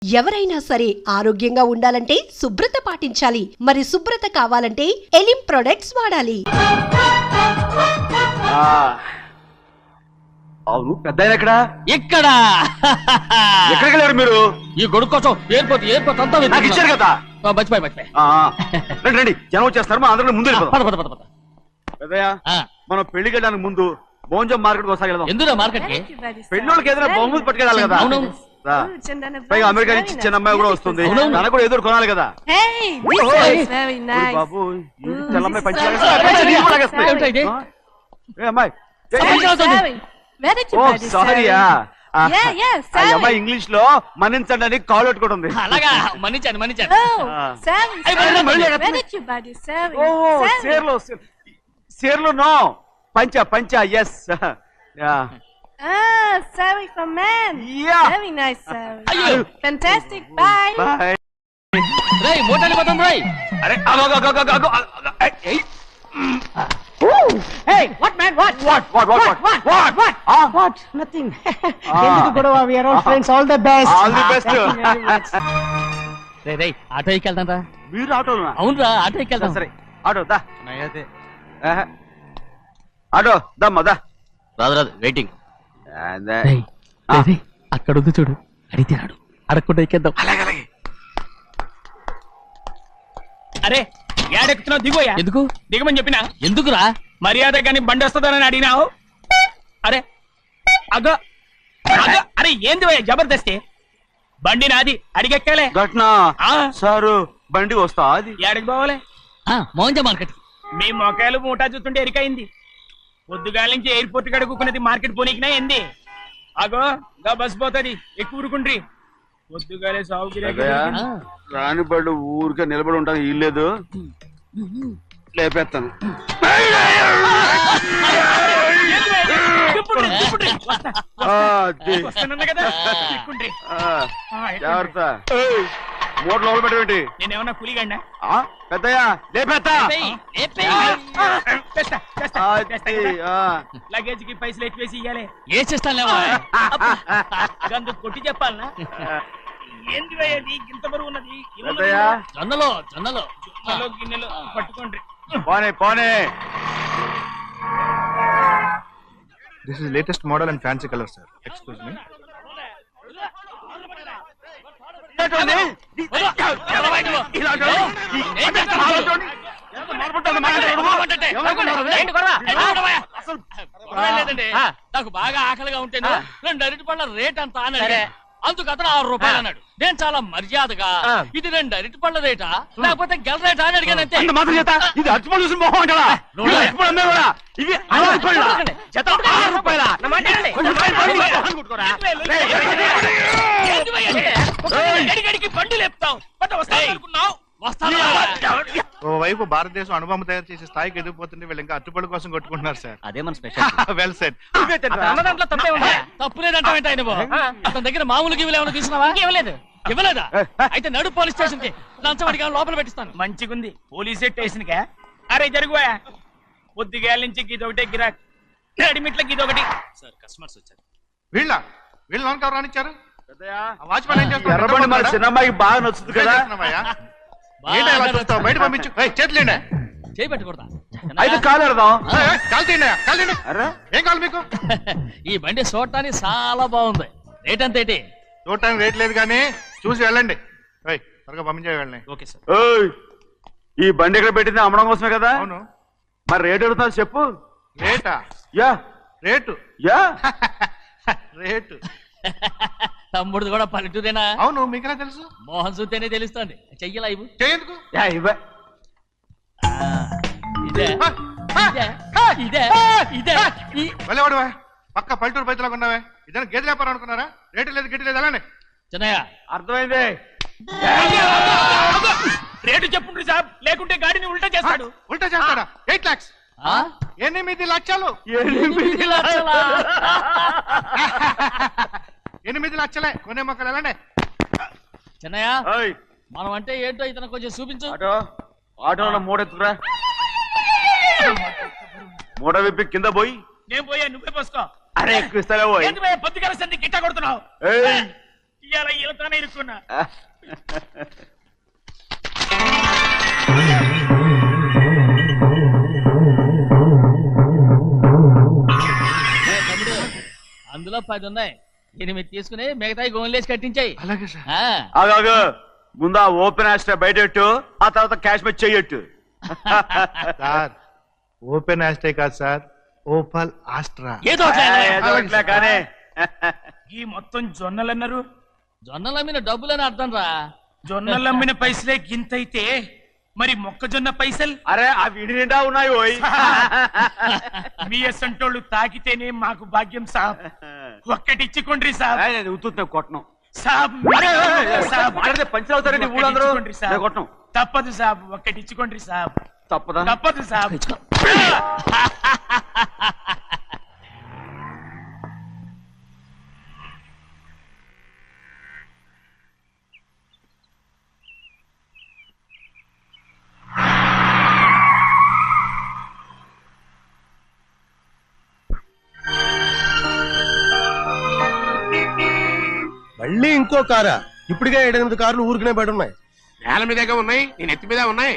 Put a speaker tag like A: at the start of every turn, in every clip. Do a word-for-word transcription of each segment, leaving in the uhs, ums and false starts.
A: ఎవరైనా సరే ఆరోగ్యంగా ఉండాలంటే శుభ్రత పాటించాలి. మరి శుభ్రత కావాలంటే ఎలిం ప్రొడక్ట్స్ వాడాలి.
B: అవును పెద్ద ఎక్కడ
C: ఇక్కడ
B: ఎక్కడికి వెళ్ళారు మీరు?
C: ఈ గొడుగు కోసం ఎయిర్పోర్ట్ ఎయిర్పోర్ట్ అంతా
B: నాకు ఇచ్చారు కదా.
C: మర్చిపోయి మర్చిపోయి
B: రండి రండి జనం వచ్చేస్తారు. మన అందరం ముందు
C: పద పద పద పద
B: పెద్దయ్య మనం పెళ్లికి వెళ్ళడానికి ముందు భోజనం మార్కెట్ ఒకసారి వెళ్దాం.
C: ఎందుకు మార్కెట్ కి
B: పెళ్ళోళ్ళకి ఏదైనా బహుమతి పట్టుకెళ్ళాలి కదా. పైగా అమెరికా నుంచి చిన్న అమ్మాయి కూడా వస్తుంది. తనకు కూడా ఎదురు కొనాలి కదా. బాబు తెల్లమ్మాయి పంచి అమ్మాయి సారీయా అమ్మాయి ఇంగ్లీష్ లో మన్నించండి అని కాల్ పెట్టుకుంటుంది.
C: అలాగా మన్నించాను మన్నించాను.
B: సేర్లు నో పంచా పంచా ఎస్
D: Ah, sorry for men.
B: Yeah.
D: Very nice, sorry. Fantastic. Bye.
B: Bye.
C: Ray, motali patam Ray.
B: Are, ago ago ago ago ago. Hey.
E: Hey, what man? What?
B: What? What? What? What?
E: What?
B: What?
E: What?
B: Ah?
E: What? Nothing. Enduku Godava? We are all friends. All the best.
B: All the best.
C: Ray, Ray, auto ఎక్కెళ్తాం రా.
B: మీరు ఆటోనా?
C: అవునురా auto ఎక్కెళ్తాం.
B: సరే auto దా. నైతే. Auto దమ్మ దా.
C: రాదు రాదు వెయిటింగ్. అక్కడ ఉంది చూడు అడిగితే రాడు అడగకుండా ఎక్కేద్దాం.
F: అరే ఏడెక్కుతున్నావు దిగోయా.
C: ఎందుకు
F: దిగమని చెప్పినా
C: ఎందుకురా?
F: మర్యాద కానీ బండి వస్తుందని అడిగినావు. అరే అగో అగో అరే ఏంది భయ్యా జబర్దస్తి. బండి నాది అడిగెక్కాలే.
B: ఘట్నా సారు బండి వస్తా అది
F: ఏడకి పోవాలే.
C: మోహన్జా మార్కెట్.
F: మీ మొక్కలు మూటా చూస్తుంటే ఎరికైంది. పొద్దుగాల నుంచి ఎయిర్పోర్ట్ కడుక్కున్నది మార్కెట్ పోనీకినా ఏంది. అగో గా బస్ పోతుంది ఎక్కువ ఊరుకుండ్రి. పొద్దుగాలే సాగు
B: రాని బళ్ళు ఊరికే నిలబడి ఉంటాను ఇల్లేదు లేపేస్తాను. జాగ్రత్త మూడు లోపల పెట్టేటి.
F: నేనేమన్నా కూలిగండా
B: పెద్దయ్యా లేపేస్తా.
F: లగేజ్ కి పైసలు ఎక్కువేసి ఇయ్యాలి.
C: ఏ చేస్తాను
F: గందు కొట్టి చెప్పాలనా ఏంది భయ్యది ఇంత బరువు ఉన్నది.
B: పెద్దయ్యా
C: జొన్నలో జొన్నలో
F: జొన్నలో గిన్నెలు పట్టుకోండి.
B: పోనే పోనే.
G: This is latest model and fancy color, sir. Excuse me.
C: నాకు బాగా ఆకలిగా ఉంటే రెండు అరటి పళ్ళ రేట్ అంత అన్నాడు. అందుకు అతను ఆరు రూపాయలు అన్నాడు. నేను చాలా మర్యాదగా ఇది రెండు అరటి పళ్ళ రేటా లేకపోతే గెల రేటా అని అడిగాను. అంతే
B: మాత్రం చేత ఇది అరటిపళ్ళు చూసి మొహం అంటారా? ఇవి
F: బండి లేపుతావు అనుకున్నావు.
G: ఓవైపు భారతదేశం అనుభవం తయారు చేసే స్థాయికి ఎదిగిపోతుంటే వీళ్ళు ఇంకా అట్టుపడి కోసం కొట్టుకుంటున్నారు సార్.
C: అదే మన స్పెషల్.
G: Well said.
F: దాంట్లో తప్పే ఉందా?
C: తప్పు లేదంటావేంట ఆయన అతని దగ్గర మామూలు గివ్వులు ఏమైనా తీసుకున్నావా? ఇవ్వలేదు. ఇవ్వలేదా? అయితే నడు పోలీస్ స్టేషన్ కి లంచం అడిగా లోపల పెట్టిస్తాను.
F: మంచిగుంది పోలీస్ స్టేషన్ కా. అరే జరుగువా పొద్దుగాల నుంచి గీదొకటే గిరాక్ రెడీమేట్ల గీదొకటి. సార్ కస్టమర్స్ వచ్చారు.
G: వీళ్ళ వీళ్ళు లోన్ కవర్ రానిచ్చారు. వాచ్మెన్ ఏం చేస్తారు?
B: ఎర్రబండి మన చిన్నమ్మాయికి బాగా నచ్చుతుంది కదా.
G: బయట పంపించు. చేతులేండి
C: చేయి పెట్టకూడదా?
B: అయితే కాలు ఎడదాం.
G: కాలు తీయండి కాలు తీయండి. ఏం కావాలి మీకు?
C: ఈ బండి చూడటానికి చాలా బాగుంది. రేట్ అంత ఏంటి?
G: చూడటానికి రేట్ లేదు కానీ చూసి వెళ్ళండి. త్వరగా పంపించే వెళ్ళండి.
C: Okay sir.
B: ఈ బండి ఎక్కడ పెట్టింది అమ్మడం కోసమే కదా.
G: అవును.
B: మరి రేట్ అడుగుతాను చెప్పు.
G: రేటా?
B: యా
G: రేటు
B: యా
G: రేటు.
C: తమ్ముడు కూడా పల్లెటూరేనా?
G: అవును. మీకెలా తెలుసు?
C: మోహన్ చూస్తేనే తెలుస్తుంది. చెయ్యలా ఇవ్వు.
G: చేయందుకు
C: ఇదే ఇదే ఇదే
G: వెళ్ళేవాడువా పక్క పల్లెటూరు పైతలాగా ఉన్నావే. ఇదే గేదె వ్యాపారం అనుకున్నారా? రేటు లేదు గిట్టు లేదు అలానే.
C: చిన్నయ్య
B: అర్థమైంది.
F: రేటు చెప్పుండ్రి సాబ్ లేకుంటే గాడిని ఉల్టా చేస్తాడు.
G: ఉల్టా చేస్తాడా? ఎయిట్ లాక్స్ ఎనిమిది లక్షలు.
C: ఎనిమిది లక్షలా?
G: ఎనిమిది లక్షలే కొనే మొక్కలు ఎలానే.
C: చిన్నయ్య మనం అంటే ఏంటో ఇతను కొంచెం చూపించు.
B: ఆటో ఆటోలో మూడెత్తుకురా. మూడ విప్పి కింద పోయి.
F: నేను పోయా నువ్వే పోసుకో.
B: అరే ఎక్కువ ఇస్తావే పోయి.
F: పొద్దుగాల సంధి గిట్ట కొడుతున్నావు. ఇవాళ ఈలతోనే ఇరుక్కున్నా.
C: అందులో పది ఉన్నాయి, ఎనిమిది తీసుకుని మిగతాయి గోన్లేసి కట్టించాయి.
G: అలాగే సార్.
B: ఆగాగు, ముందా ఓపెన్ ఆస్ట్రా బయటెట్టు, ఆ తర్వాత క్యాష్ మెచ్ చెయ్యట్టు.
G: సార్ ఓపెన్ ఆస్ట్రే కాదు సార్, ఓపల్ ఆస్ట్రా.
C: ఏదో
B: ఏదో కానీ
F: ఈ మొత్తం జొన్నలు అన్నారు.
C: జొన్నల మీద డబ్బులని అర్థం రా.
F: జొన్నలు అమ్మిన పైసలే గింతైతే మరి మొక్కజొన్న పైసలు
B: అరే ఆ విడి నిండా ఉన్నాయి ఓయ్.
F: మీ అసంటోళ్ళు తాకితేనే మాకు భాగ్యం సాబ్. ఒక్కటి ఇచ్చుకోండి సాబ్.
B: ఉత్తున్నా కొట్టను
F: సాబ్ సాబ్
B: పంచర్ అవుతారండి ఊళ్ళందరూ. నేను కొట్టను.
F: తప్పదు సాబ్, ఒక్కటి ఇచ్చుకోండి సాబ్.
B: తప్పదా?
F: తప్పదు సాబ్.
H: మళ్ళీ ఇంకో కారా? ఇప్పటికే ఏడెనిమిది కార్లు ఊరికనే బయట ఉన్నాయి.
I: నేల మీదగా ఉన్నాయి, నేను ఎత్తి మీద ఉన్నాయి.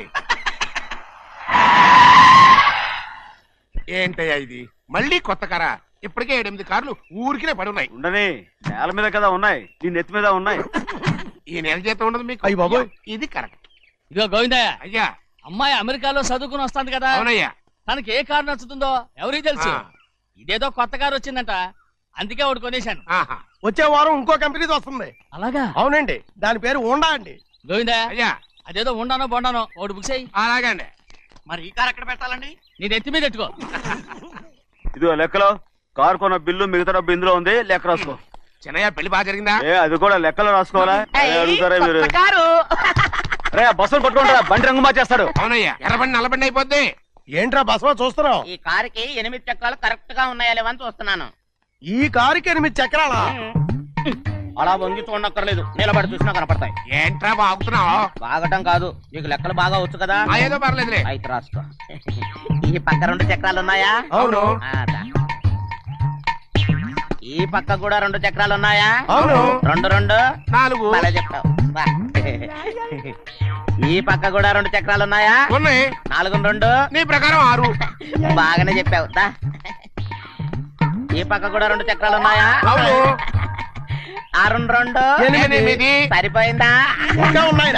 I: ఏంటయ్యా ఇది మళ్ళీ కొత్త కారా? ఇప్పటికే ఏడెనిమిది కార్లు ఊరికినే పడి ఉన్నాయి.
B: ఉండని, నేల మీద కదా ఉన్నాయి, నీ నెత్తి మీద ఉన్నాయి.
I: ఈ నెల జీతం ఉండదు మీకు.
H: అయ్య బాబోయ్,
I: ఇది కరెక్ట్.
C: ఇదిగో గోవిందయ్య,
I: అయ్యా
C: అమ్మాయి అమెరికాలో చదువుకుని వస్తాంది కదా.
I: అవునయ్యా.
C: తనకి ఏ కారు నచ్చుతుందో ఎవరికి తెలుసు.
I: ఆ.
C: ఇదేదో కొత్త కారు వచ్చిందంట, అందుకే ఒకటి కొనేశాను.
I: ఆహా.
H: వచ్చే వారం ఇంకో కంపెనీది వస్తుంది.
C: అలాగా?
H: అవునండి, దాని పేరు ఉండా అండి.
C: గోవిందయ్య,
I: అయ్యా
C: అదేదో ఉండానో బొండానో ఒకటి బుక్ చేయి.
I: అలాగండి.
C: మరి ఈ కారు ఎక్కడ పెట్టాలండి? నీ నెత్తి మీద పెట్టుకో.
B: ఇదిగో లెక్కలో కారు కొన్న బిల్లు మిగతా డబ్బు ఇందులో ఉంది, లెక్క రాసుకో.
I: చిన్నయ్య పెళ్లి బాగా జరిగిందా?
B: ఏ అది కూడా లెక్కలో రాసుకోవాలా? అదే అడుగుతారా మీరు? రే బస్సులు పట్టుకుంటారా, బండి రంగు మార్చేస్తాడు.
I: అవునయ్యా, ఎర్రబండి నల్లబండి అయిపోద్ది.
H: ఏంట్రా బసవా చూస్తున్నావు?
J: ఈ కారుకి ఎనిమిది చక్రాలు కరెక్ట్ గా ఉన్నాయా లేవని చూస్తున్నాను.
H: ఈ కారుకి ఎనిమిది చక్రాలా?
J: అలా వంగి చూడక్కర్లేదు, నిలబడి చూసినా కనపడతాయి.
I: ఏంట్రా బాగుతున్నావు?
J: బాగటం కాదు, నీకు లెక్కలు బాగా వచ్చు కదా.
I: ఆ, ఏదో పర్లేదులే.
J: అయితే రాసుకో. ఈ పక్క రెండు చక్రాలు ఉన్నాయా?
I: అవును.
J: ఆ, దా. ఈ పక్క కూడా రెండు చక్రాలు ఉన్నాయా?
I: అవును.
J: రెండు రెండు
I: నాలుగు.
J: అలా చెప్తావు. బా. ఈ పక్క కూడా రెండు చక్రాలు ఉన్నాయా?
I: ఉన్నాయి.
J: నాలుగు రెండు
I: నీ ప్రకారం ఆరు.
J: బాగానే చెప్పావు. దా. ఈ పక్క కూడా రెండు చక్రాలు ఉన్నాయా?
I: అవును.
J: ఆ రెండు రెండు
I: ఎనిమిది.
J: సరిపోయిందా?
H: ఇంకా ఉన్నాయిరా.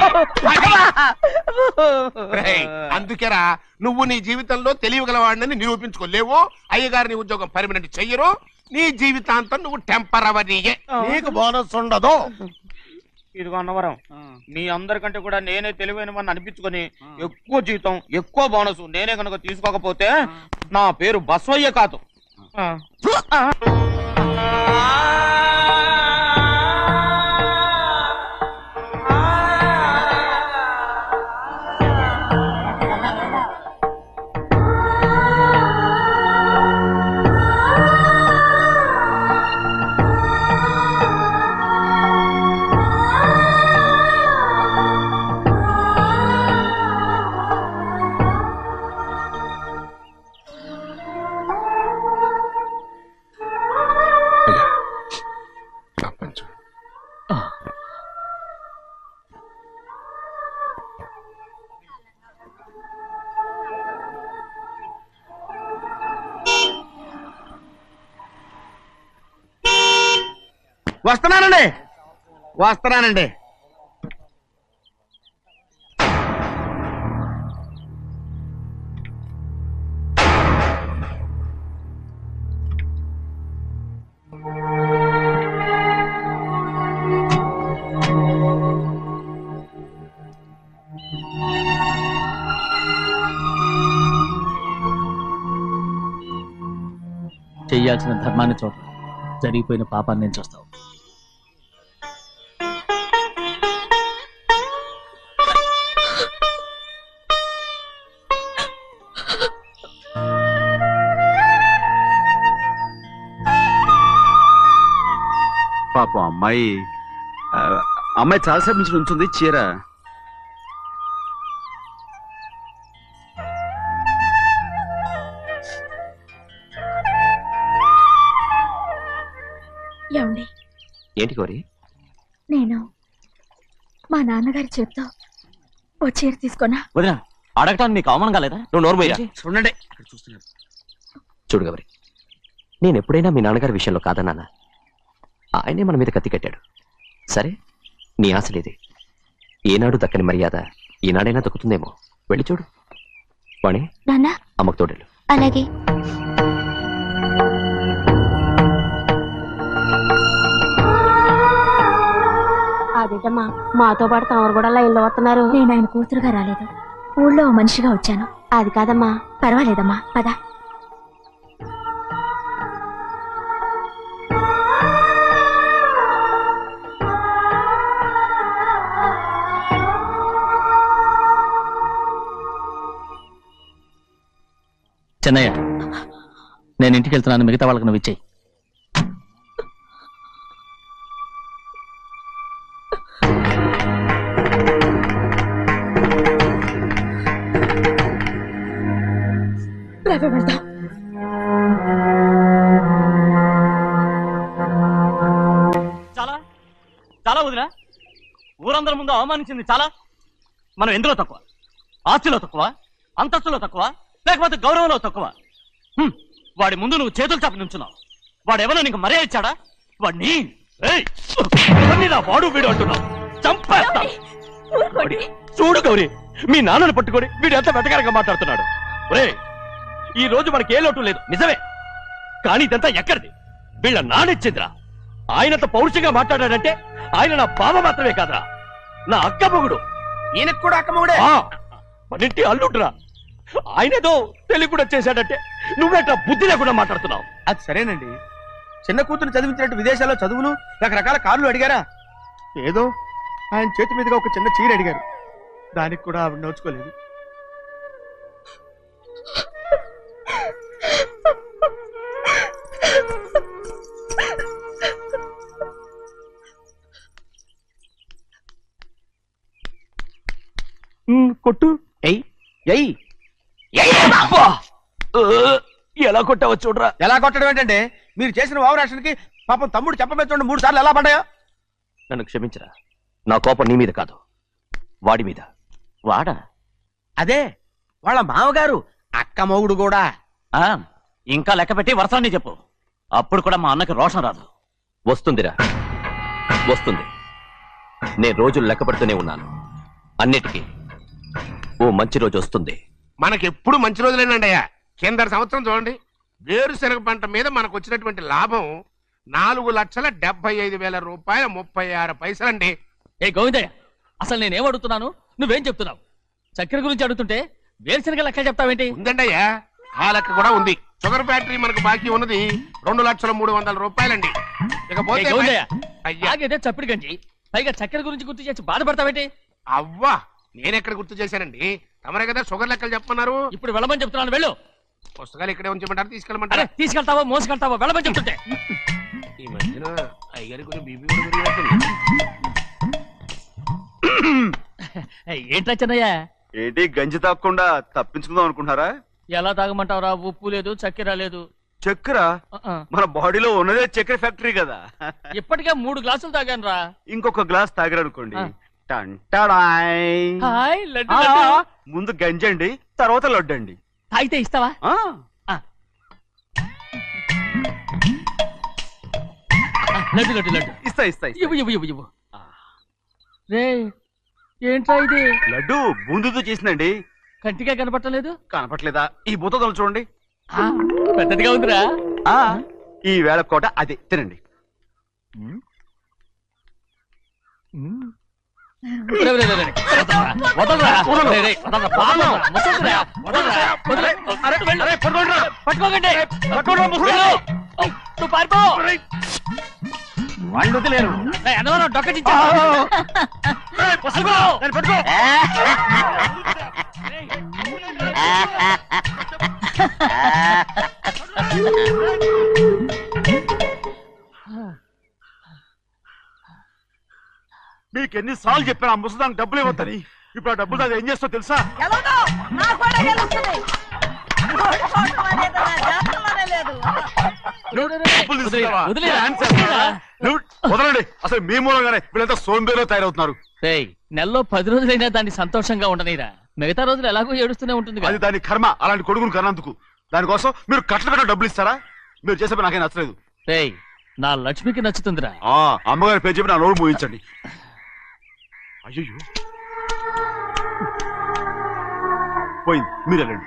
I: రేయ్, అందుకేరా నువ్వు నీ జీవితంలో తెలియగలవాడిని నిరూపించుకోలేవు. అయ్యగారు నీ ఉద్యోగం పర్మనెంట్ చెయ్యరు. నీ జీవితాంతం నువ్వు టెంపరవరీయే.
H: నీకు బోనస్ ఉండదు.
J: ఇదిగో అన్నవరం, మీ అందరికంటే కూడా నేనే తెలివైన వాడిని అనిపించుకొని ఎక్కువ జీతం ఎక్కువ బోనస్ నేనే కనుక తీసుకోకపోతే నా పేరు బస్వయ్య కాదు.
I: వస్తున్నానండి వస్తున్నానండి
C: చెయ్యాల్సిన ధర్మాన్ని చూడ, జరిగిపోయిన పాపాన్ని నేను చూస్తావు.
B: పాపం అమ్మాయి ఆ, అమ్మాయి చాలాసేపు నుంచి ఉంచుంది చీర.
D: ఏమండి,
K: ఏంటి కోరి? నేను మా నాన్నగారి చేత్తో ఓ చీర తీసుకున్నా.
J: వదినా అడగటానికి నీకు అవమానం కాలేదా?
H: నువ్వు నోర్మయ్యా
F: చూడండి
L: చూడు గౌరి, నేను ఎప్పుడైనా మీ నాన్నగారి విషయంలో కాదన్నానా? ఆయనే మన మీద కత్తి కట్టాడు. సరే, నీ ఆశలేదే. ఏనాడు దక్కని మర్యాద ఈనాడైనా దక్కుతుందేమో. వెళ్ళి చూడు. వాణి,
K: నాన్న
L: అమ్మకు తోడేళ్ళు.
K: అలాగే.
D: అదేటమ్మా, మాతో పాటు తమరు కూడా లైన్లో వస్తున్నారు.
K: నేను ఆయన కూతురుగా రాలేదు, ఊళ్ళో ఓ మనిషిగా వచ్చాను.
D: అది కాదమ్మా.
K: పర్వాలేదమ్మా, పద.
C: చెన్నయ్య, నేను ఇంటికి వెళ్తున్నాను, మిగతా వాళ్ళకి నువ్వు ఇచ్చేయి. చాలా చాలా వదినా, ఊరందరి ముందు అవమానించింది చాలా. మనం ఎందులో తక్కువ? ఆస్తిలో తక్కువ? అంతస్తులో తక్కువ? లేకపోతే గౌరవంలో తక్కువ? హ్మ్. వాడి ముందు నువ్వు చేతులు చాపి నుంచున్నావు. వాడెవరో నీకు మర్యాద ఇచ్చాడా? వాడిని ఏయ్! ఎవరిని నా వాడు వీడు అంటున్నావు? చంపేస్తా. చూడు గౌరీ, మీ నాన్నను పట్టుకొని వీడు ఎంత వెతకారంగా మాట్లాడుతున్నాడు. ఒరేయ్, ఈ రోజు మనకి ఏ లోటు లేదు నిజమే, కానీ ఇదంతా ఎక్కడిది? వీళ్ళ నానిచ్చిందిరా. ఆయనంత పౌరుషంగా మాట్లాడాడంటే ఆయన నా బావ మాత్రమే కాదురా, నా అక్క మొగుడు.
F: ఈయనకు కూడా అక్క మొగుడే.
C: మనింటి అల్లుడురా. ఆయనేదో తెలివి కూడా చేశాడంటే నువ్వేట బుద్ధి లేకుండా మాట్లాడుతున్నావు.
F: అది సరేనండి, చిన్న కూతురు చదివించినట్టు విదేశాల్లో చదువులు రకరకాల కార్లు అడిగారా? ఏదో ఆయన చేతి మీదుగా ఒక చిన్న చీర అడిగారు, దానికి కూడా ఆవిడ నోచుకోలేదు.
C: కొట్టు.
F: ఎయ్ ఎయ్
C: ఎలా కొట్టావో చూడరా.
F: ఎలా కొట్టడం ఏంటంటే, మీరు చేసిన వావరాక్షణకి పాపం తమ్ముడు చెప్పమే చూడండి మూడు సార్లు ఎలా పడ్డాయో.
L: నన్ను క్షమించరా, నా కోపం నీ మీద కాదు, వాడి మీద.
C: వాడా?
F: అదే వాళ్ళ మామగారు అక్క మొగుడు కూడా.
C: ఆ, ఇంకా లెక్క పెట్టి వరసాన్ని చెప్పు, అప్పుడు కూడా మా అన్నకి రోషం రాదు.
L: వస్తుందిరా, వస్తుంది. నేను రోజులు లెక్క పెడుతూనే ఉన్నాను. అన్నిటికీ ఓ మంచి రోజు వస్తుంది.
I: మనకెప్పుడు మంచి రోజులేనండి అయ్యా. కింద సంవత్సరం చూడండి, వేరుశనగ పంట మీద మనకు వచ్చినటువంటి లాభం నాలుగు లక్షల డెబ్బై ఐదు వేల రూపాయల ముప్పై ఆరు పైసలండి.
C: ఏ గోవిందయ్య, అసలు నేనేం అడుగుతున్నాను, నువ్వేం చెప్తున్నావు? చక్కెర గురించి అడుగుతుంటే వేరుశనగ లెక్క చెప్తావేంటి?
I: ఉందండి అయ్యా, ఆ లెక్క కూడా ఉంది. షుగర్ ఫ్యాక్టరీ మనకు బాకీ ఉన్నది రెండు లక్షల మూడు వందల రూపాయలండి. ఇకపోతే
C: అయ్యా చప్పిడి గంజి, పైగా చక్కెర గురించి గుర్తు చేసి బాధపడతావేంటి?
I: అవ్వా, నేనెక్కడ గుర్తు చేశానండి, తమరే కదా షుగర్ లెక్కలు చెప్పమన్నారు.
C: ఇప్పుడు వెళ్ళమని చెప్తున్నాను, వెళ్ళు.
I: పుస్తకాలు ఇక్కడే ఉంచమంటారు, తీసుకెళ్ళమంటారా?
C: తీసుకెళ్తావో మోసుకెళ్తావో వెళ్ళమని చెప్తుంటే.
I: ఈ మధ్యన అయ్యారి కొంచెం బీపీ కూడా పెరిగినట్టుంది.
C: ఏంట్రా చిన్నయ్య?
B: ఏంటి గంజి తాగకుండా తప్పించుకుందాం అనుకుంటున్నారా?
C: ఎలా తాగమంటావురా? ఉప్పు లేదు, చక్కెర లేదు.
B: చక్కెర మన బాడీలో ఉన్నదే చక్కెర ఫ్యాక్టరీ కదా.
C: ఇప్పటికే మూడు గ్లాసులు తాగాను రా.
B: ఇంకొక గ్లాస్ తాగరనుకోండి, ముందు గంజండి, తర్వాత లడ్డండి.
C: తాగితే ఇస్తావా? లడ్డు లడ్డు లడ్డు
B: ఇస్తా ఇస్తా
C: ఇవ్వు ఇవ్వు ఇవ్వు ఇవ్వు. రే ఏంట్రా ఇది?
B: లడ్డు బూందుతో చేసిందండి.
C: కంటిగా కనపట్టలేదు.
B: కనపట్లేదా? ఈ బూతలు చూడండి,
C: పెద్దదిగా ఉందిరా.
B: ఈ వేళ కోట అదే తినండి.
C: వాళ్ళు వదిలేరు. డొక్క
B: మీకు ఎన్నిసార్లు చెప్పాను ఆ ముసదానికి డబ్బులు ఇవ్వద్దని. ఇప్పుడు ఆ డబ్బులు అది ఏం చేస్తో తెలుసా? వదలండి, అసలు మీ మూలంగానే వీళ్ళంతా సోంబేలో తయారవుతున్నారు.
C: నెలలో పది రోజులైనా దాన్ని సంతోషంగా ఉండనీరా, మిగతా రోజులు ఎలాగో ఏడుస్తూనే ఉంటుంది.
B: అది దాని కర్మ, అలాంటి కొడుకును కన్నందుకు. దానికోసం మీరు కట్ల కట్ట డబ్బులు ఇస్తారా? మీరు చేసే పని నాకేం నచ్చలేదు.
C: నా లక్ష్మికి నచ్చుతుందిరా.
B: అమ్మగారి పేరు చెప్పి నా నోరు మూయించండి. అయ్యో పోయింది, మీరు వెళ్ళండి.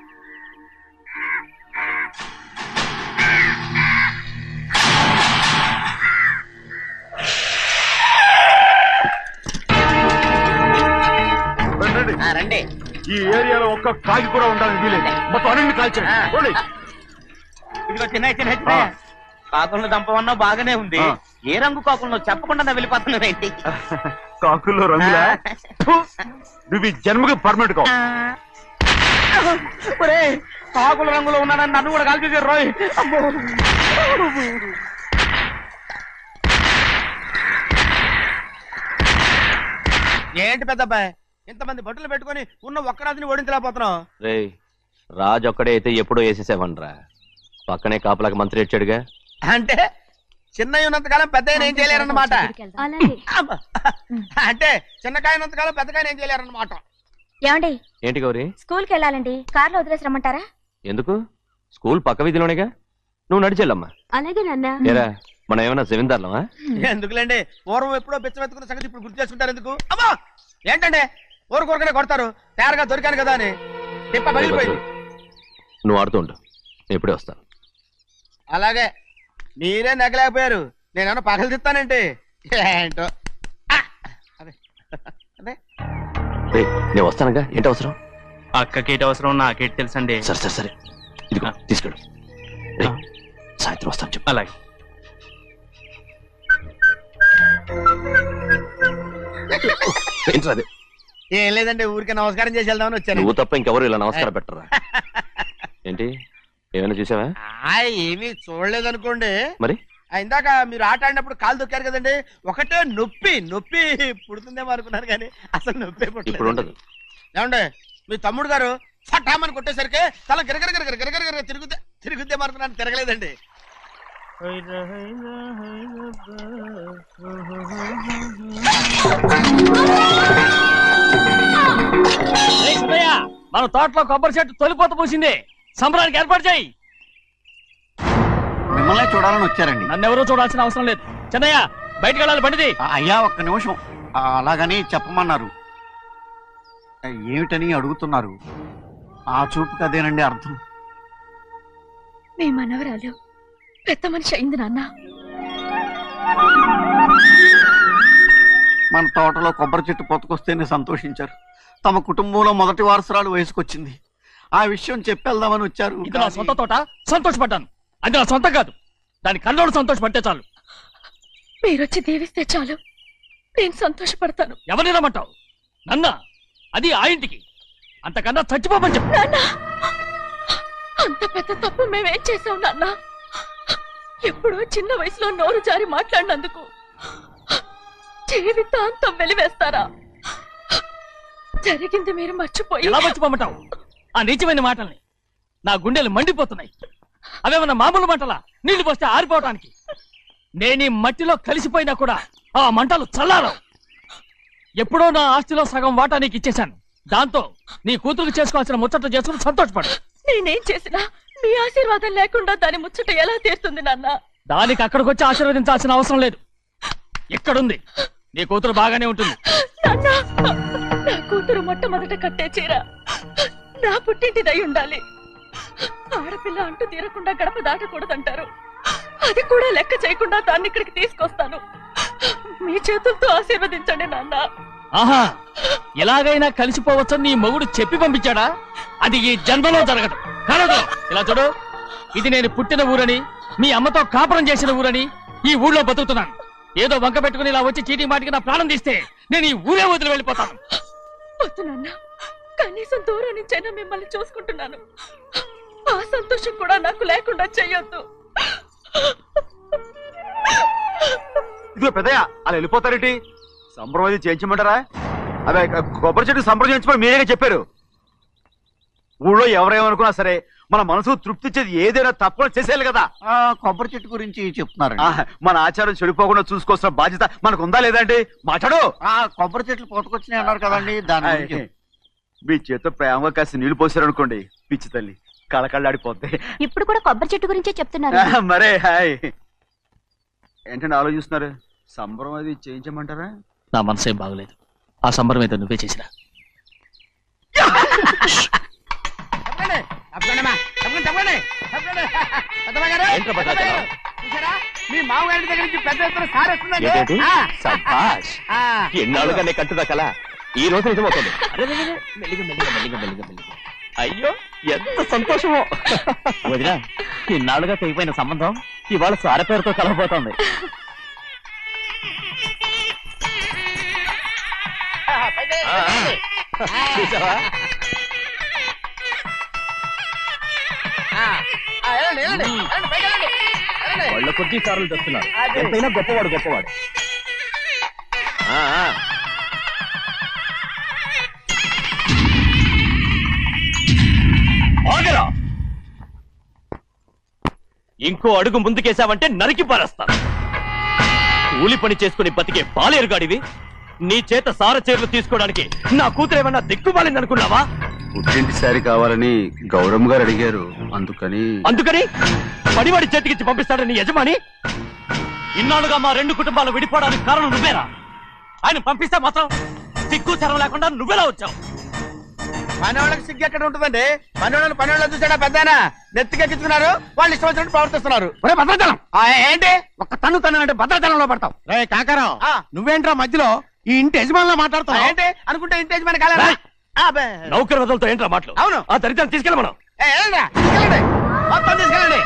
J: రండి.
B: ఈ ఏరియాలో ఒక్క కాకి కూడా ఉండాలని వీలేదు. మొత్తం అన్నింటినీ కాల్చండి.
J: ఇదిగో చిన్న చిన్న కాకులను దంపమన్నా బాగానే ఉంది. ఏ రంగు కాకులను చెప్పకుండా వెళ్ళిపోతున్నావు ఏంటి?
B: కాకుల్లో రంగులా? నువ్వు ఈ జన్మకి పర్మనెంట్ కావు.
J: కాకుల రంగులో ఉన్నానని నన్ను కూడా కాల్చేసారు రోయ్. ఏంటి పెద్దబ్బాయి, ఇంతమంది బట్టలు పెట్టుకుని ఉన్న ఒక్క రాజుని ఓడించలేకపోతున్నావు?
L: రే రాజు ఒక్కడే అయితే ఎప్పుడో వేసేసేవనరా, పక్కనే కాపలాకి మంత్రి ఇచ్చాడుగా.
J: అంటే చిన్నయ్య ఉన్నంతకాలం పెద్ద ఏం చేయలేరన్నమాట. అంటే చిన్నకాయ ఉన్నంతకాలం పెద్దకాయ ఏం చేయలేరన్నమాట.
K: ఏమండి
L: ఏంటి గౌరీ?
K: స్కూల్కి వెళ్ళాలండి, కార్లో వదిలేసి రమ్మంటారా?
L: ఎందుకు? స్కూల్ పక్క వీధిలోనేగా, నువ్వు నడిచెళ్ళమ్మా.
K: అలాగే నాన్న.
L: ఏరా మనం ఏమన్నా జమీందార్లమా?
J: ఎందుకులేండి, పూర్వం ఎప్పుడో పిచ్చమెత్తుకున్న సంగతి ఇప్పుడు గుర్తు చేసుకుంటారు ఎందుకు? అమ్మా ఏంటంటే ఊరు కొరకనే కొడతారు, తయారుగా దొరికాను కదా అని తిప్ప పగిలిపోయింది.
L: నువ్వు ఆడుతూ ఉండు, ఎప్పుడే వస్తాను.
J: అలాగే మీరే నెగ్గలేకపోయారు, నేనేమన్నా పగలు తిస్తానంటే ఏంటో.
L: రే నేను వస్తానుగా, ఏంటి అవసరం?
C: అక్కకేటి అవసరం నాకేటి తెలుసండి.
L: సరే సరే సరే ఇదిగో తీసుకెళ్ళు. సాయంత్రం వస్తాను చెప్పు.
C: అలాగే.
L: ఏంటి
J: ఏం లేదండి, ఊరికే నమస్కారం చేసి వెళ్దామని వచ్చాను.
L: నువ్వు తప్ప ఇంకెవరు ఇలా నమస్కారం పెట్టరా? ఏంటి ఏమైనా చూసావా?
J: ఏమీ చూడలేదనుకోండి.
L: మరి
J: ఇందాక మీరు ఆట ఆడినప్పుడు కాలు దొక్కారు కదండి, ఒకటే నొప్పి నొప్పి పుడుతుందేమో అనుకున్నాను కానీ అసలు నొప్పి
L: ఇప్పుడు ఉండదు.
J: ఏమండి మీ తమ్ముడు గారు ఫటామని కొట్టేసరికి తల గిరగర గిరగర గిరగర గిరగర తిరుగుతే తిరుగుద్దేమో అనుకున్నాను, తిరగలేదండి.
C: మన తోటలో కొబ్బరి చెట్టు తొలిపోత పూసింది, సంబరానికి ఏర్పాటు చేయి.
M: మిమ్మల్ని చూడాలని వచ్చారండి.
C: నన్ను ఎవరూ చూడాల్సిన అవసరం లేదు. చెన్నయ్య బయటకు వెళ్ళాలి, బండిది.
M: అయ్యా ఒక్క నిమిషం, అలాగని చెప్పమన్నారు. ఏమిటని అడుగుతున్నారు? ఆ చూపుకి అదేనండి అర్థం.
K: మీ మనవరాలు పెద్ద మనిషి అయింది నాన్న.
M: మన తోటలో కొబ్బరి చెట్టు పొత్తుకొస్తేనే సంతోషించారు. తమ కుటుంబంలో మొదటి వారసురాలు వయసుకొచ్చింది. ఆ విషయం చెప్పేద్దామని వచ్చారు.
C: ఇది నా సొంత తోట, సంతోషపడ్డాను. అది నా సొంతం కాదు, దాని కళ్ళోడు సంతోషపడితే చాలు.
K: మీరొచ్చి దీవిస్తే చాలు, నేను సంతోషపడతాను.
C: ఎవరిని రమ్మంటావు? నన్న? అది ఆ ఇంటికి, అంతకన్నా చచ్చిపోమని చెప్పు.
K: నాన్న అంత పెద్ద తప్పు మేమేం చేసాం నాన్న? ఎప్పుడో చిన్న వయసులో నోరు జారి మాట్లాడినందుకు జీవితాంతం వెలివేస్తారా? జరిగింది మీరు మర్చిపోయి.
C: ఎలా మర్చిపోమంటావు ఆ నీచమైన మాటల్ని? నా గుండెలు మండిపోతున్నాయి. అవేమన్నా మామూలు మంటలా, నీళ్లు పోస్తే ఆరిపోవటానికి? నేనీ మట్టిలో కలిసిపోయినా కూడా ఆ మంటలు చల్లారవు. ఎప్పుడో నా ఆస్తిలో సగం వాటా నీకు ఇచ్చేశాను. దాంతో నీ కూతురు చేసుకోవాల్సిన ముచ్చట చేసుకుని సంతోషపడు.
K: నేనేం చేసినా మీ ఆశీర్వాదం లేకుండా దాని ముచ్చట ఎలా తీరుతుంది నాన్న?
C: దానికి అక్కడికి వచ్చి ఆశీర్వదించాల్సిన అవసరం లేదు. ఎక్కడుంది? నీ కూతురు బాగానే ఉంటుంది.
K: నా కూతురు మొట్టమొదట కట్టే చీర నా పుట్టింటిదై ఉండాలి. ఆడపిల్ల అంటూ తీరకుండా గడప దాటకూడదంటారు. అది కూడా లెక్క చేయకుండా దాన్ని ఇక్కడికి తీసుకొస్తాను. మీ చేతులతో ఆశీర్వదించండి నాన్న.
C: ఆహా, ఎలాగైనా కలిసిపోవచ్చని నీ మొగుడు చెప్పి పంపించాడా? అది ఈ జన్మలో జరగదు. కలదు. ఇలా చూడు, ఇది నేను పుట్టిన ఊరని, మీ అమ్మతో కాపురం చేసిన ఊరని ఈ ఊళ్ళో బతుకుతున్నాను. ఏదో వంక పెట్టుకుని ఇలా వచ్చి చీటీ మాటికి నా ప్రాణం తీస్తే నేను ఈ ఊరే వదిలి వెళ్ళిపోతాను.
K: వద్దు నాన్న, కనీసం దూరం నుంచైనా మిమ్మల్ని చూసుకుంటున్నాను. ఆ సంతోషం కూడా నాకు లేకుండా చెయ్యొద్దు.
B: ఇదిగో పెద్దయ్య, అలా వెళ్ళిపోతారేంటి? సంబరం అది చేయించమంటారా? అదే కొబ్బరి చెట్టు సంబరం చేయించమని మీరేగా చెప్పారు. ఊళ్ళో ఎవరేమనుకున్నా సరే మన మనసు తృప్తి ఇచ్చేది ఏదైనా తప్పకుండా చేసేయాలి కదా.
M: కొబ్బరి చెట్టు గురించి చెప్తున్నారు.
B: మన ఆచారం చెడిపోకుండా చూసుకోవాల్సిన బాధ్యత మనకు ఉందా లేదండి? మాట్లాడు.
M: కొబ్బరి చెట్లు పోతకొచ్చినాయి అన్నారు కదండి, దాని గురించి.
B: మీ చేత ప్రేమగా కాసి నీళ్లు పోసారు అనుకోండి, పిచ్చి తల్లి కళకళ్ళాడిపోద్ది.
D: ఇప్పుడు కూడా కొబ్బరి చెట్టు గురించే చెప్తున్నారు.
B: మరే హాయ్ ఏంటంటే ఆలోచిస్తున్నారు? సంబరం అది చేయించమంటారా?
C: నా మనసు ఏం బాగలేదు. ఆ సంబరం ఏదో నువ్వే చేసినా.
F: మీ మామగారి దగ్గర నుంచి పెద్ద ఎత్తున సార్ వస్తుందండి.
L: ఎన్నాళ్ళుగానే కట్టుదా కల ఈ రోజు నిజమవుతుంది. అయ్యో ఎంత సంతోషమో
C: వదినా. ఇన్నాళ్ళుగా తెగిపోయిన సంబంధం ఇవాళ సార పేరుతో కలగబోతోంది.
L: వాళ్ళ కొద్ది సార్లు తెస్తున్నారు. ఎంతైనా గొప్పవాడు గొప్పవాడు.
C: ఆగరా! ఇంకో అడుగు ముందుకేశావంటే నరికి పారేస్తాను. కూలి పని చేసుకుని బతికే బాలేరుగాడివి. నీ చేత సార చీరలు తీసుకోవడానికి నా కూతురేమన్నా దిక్కుమాలింది అనుకున్నావా?
B: పుట్టింటి సారి కావాలని గౌరమ్మ గారు అడిగారు, అందుకని
C: అందుకని పడివాడి చేతికిచ్చి పంపిస్తాడని యజమాని. ఇన్నాళ్ళుగా మా రెండు కుటుంబాలు విడిపోవడానికి కారణం నువ్వేరా? ఆయన పంపిస్తే మాత్రం సిగ్గు చరం లేకుండా నువ్వెలా వచ్చావు?
J: పనివాళ్ళకి సిగ్గు ఎక్కడ ఉంటుందండి? పనివాళ్ళని పనివాళ్ళు చూసాడా పెద్దనా నెత్తికెక్కించుకున్నారు, వాళ్ళు ఇష్టం వచ్చినట్టు ప్రవర్తిస్తున్నారు.
F: భద్రాచలం
J: ఏంటి
F: ఒక్క తన్ను తన్ను అంటే భద్రాచలంలో పడతావు.
H: రే కాకరం, నువ్వేంట్రా మధ్యలో ఈ ఇంటి యజమానిలో మాట్లాడుతావు?
J: ఏంటి అనుకుంటే ఇంటి యజమాని కాలేదా?
C: నౌకర్ వదలతో ఏంట్రా మాటలు?
J: అవును.
C: ఆ దరిద్రాన్ని తీసుకెళ్ళ మనం
J: మొత్తం తీసుకెళ్ళండి.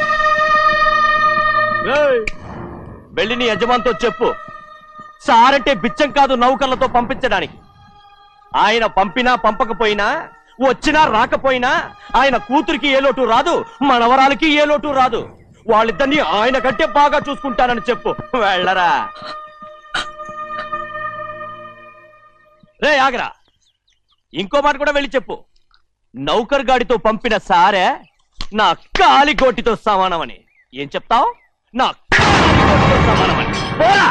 C: వెళ్ళి నీ యజమానితో చెప్పు, సారంటే బిచ్చం కాదు నౌకర్లతో పంపించడానికి. ఆయన పంపినా పంపకపోయినా, వచ్చినా రాకపోయినా ఆయన కూతురికి ఏ లోటు రాదు, మనవరాలకి ఏ లోటు రాదు. వాళ్ళిద్దరినీ ఆయన కంటే బాగా చూసుకుంటానని చెప్పు. వెళ్ళరా. రే ఆగరా, ఇంకో మాట కూడా వెళ్ళి చెప్పు. నౌకర్ గాడితో పంపిన సారే నా కాలిగోటితో సమానమని. ఏం చెప్తావు? నా కాలిగోటితో సమానమని. పోరా.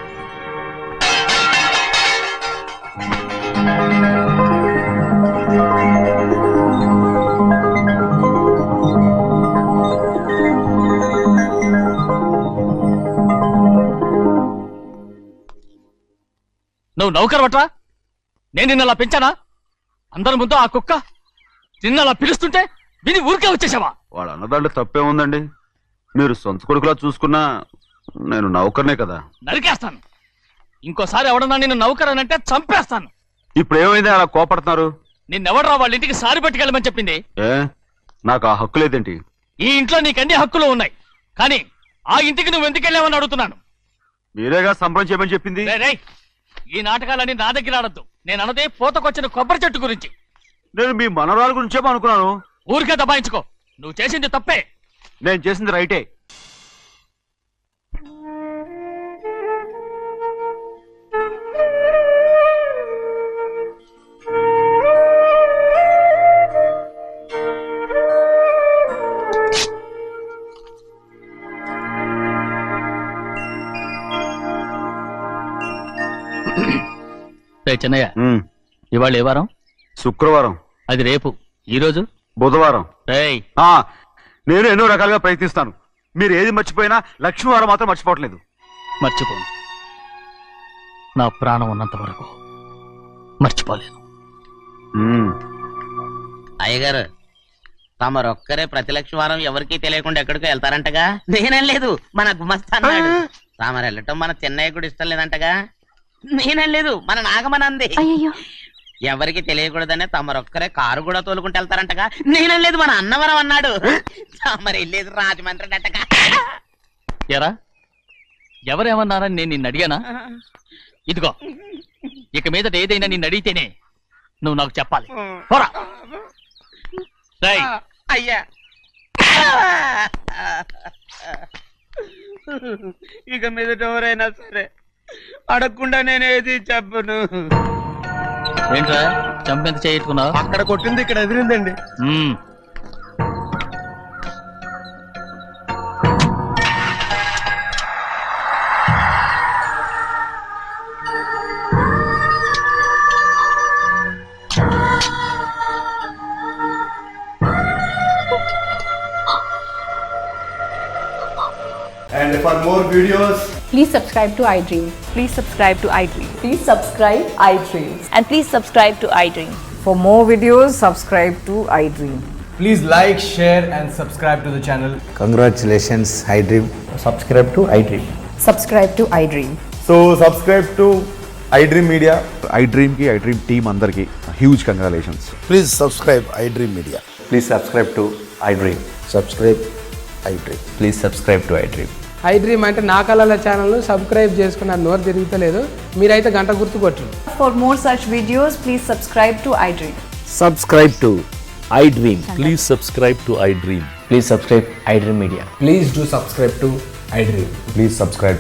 C: నువ్వు నౌకర్ పట్రా? నేను నిన్న అలా పెంచానా? అందరి ముందు ఆ కుక్క నిన్న అలా పిలుస్తుంటే విని ఊరికే వచ్చేసావా?
B: వాళ్ళ అన్నదాంట్లో తప్పే ఉందండి. మీరు సొంత కొడుకులా చూసుకున్నా నేను నౌకర్నే కదా.
C: నరికేస్తాను. ఇంకోసారి ఎవడన్నా నిన్ను నౌకర్ అని అంటే చంపేస్తాను.
B: ఇప్పుడు ఏమైంది అలా కోపడుతున్నారు?
C: నిన్నెవడరా వాళ్ళ ఇంటికి సారి పట్టుకెళ్ళమని చెప్పింది?
B: ఏ నాకు ఆ హక్కు లేదేంటి?
C: ఈ ఇంట్లో నీకు అన్ని హక్కులు ఉన్నాయి, కానీ ఆ ఇంటికి నువ్వు ఎందుకు వెళ్ళావని అడుగుతున్నాను.
B: మీరేగా సంబరం చేయమని చెప్పింది.
C: ఈ నాటకాలన్నీ నా దగ్గర ఆడద్దు. నేను అన్నదే పూతకొచ్చిన కొబ్బరి చెట్టు గురించి.
B: నేను మీ మనవరాల గురించేమో అనుకున్నాను.
C: ఊరికే దబాయించుకో. నువ్వు చేసింది తప్పే.
B: నేను చేసింది రైటే.
C: చెన్నయ్య, ఇవాళ ఏ వారం?
B: శుక్రవారం.
C: అది రేపు. ఈ రోజు
B: బుధవారం.
C: ఆ
B: నేను ఎన్నో రకాలుగా ప్రయత్నిస్తాను. మీరు ఏది మర్చిపోయినా లక్ష్మీవారం మాత్రం మర్చిపోవట్లేదు.
C: మర్చిపోను. నా ప్రాణం ఉన్నంత వరకు మర్చిపోలేదు.
N: అయ్యగారు, తమరొక్కరే ప్రతి లక్షవారం ఎవరికీ తెలియకుండా ఎక్కడికో వెళ్తారంటగా? నేనేం లేదు, మన గుమస్తా అన్నాడు. తామరు వెళ్ళటం మన చెన్నయ్య కూడా ఇష్టం లేదంటగా? నేనేం లేదు, మన నాగమనంది. ఎవరికి తెలియకూడదనే తమరొక్కరే కారు కూడా తోలుకుంటూ వెళ్తారంటగా? నేనేం లేదు, మన అన్నవరం అన్నాడు. తమరు వెళ్ళేది రాజమండ్రి అంటగా.
C: ఎరా, ఎవరేమన్నారని నేను నిన్ను అడిగానా? ఇదిగో, ఇక మీదట ఏదైనా నిన్ను అడిగితేనే నువ్వు నాకు చెప్పాలి. పోరా.
N: అయ్యా, ఇక మీదట ఎవరైనా సరే అడగకుండా నేనేది చెప్పను.
C: ఏంట్రా చంపెంత చేయించుకున్నావు?
H: అక్కడ కొట్టింది ఇక్కడ ఎదిరిందండి.
O: And for more videos,
K: Please subscribe to iDream. Please subscribe to iDream. Please subscribe iDream. And please subscribe to iDream.
E: For more videos, subscribe to iDream.
O: please like, share, and subscribe to the channel.
P: Congratulations, iDream. Subscribe to iDream.
E: Subscribe to iDream.
O: So subscribe to iDream Media. iDream ki iDream team అందరికి huge congratulations.
P: Please subscribe iDream Media.
O: Please subscribe to iDream.
P: Subscribe iDream.
O: Please subscribe to iDream.
E: iDream అంటే నా కళల ఛానల్ను subscribe చేసుకున్న నోరు తిరుగుతలేదు, మీరైతే గంట గుర్తు కొట్టండి.
K: For more such videos, please subscribe to iDream.
L: Subscribe to iDream.
Q: Please subscribe to iDream.
L: Please subscribe iDream Media.
O: Please do subscribe to iDream. Please subscribe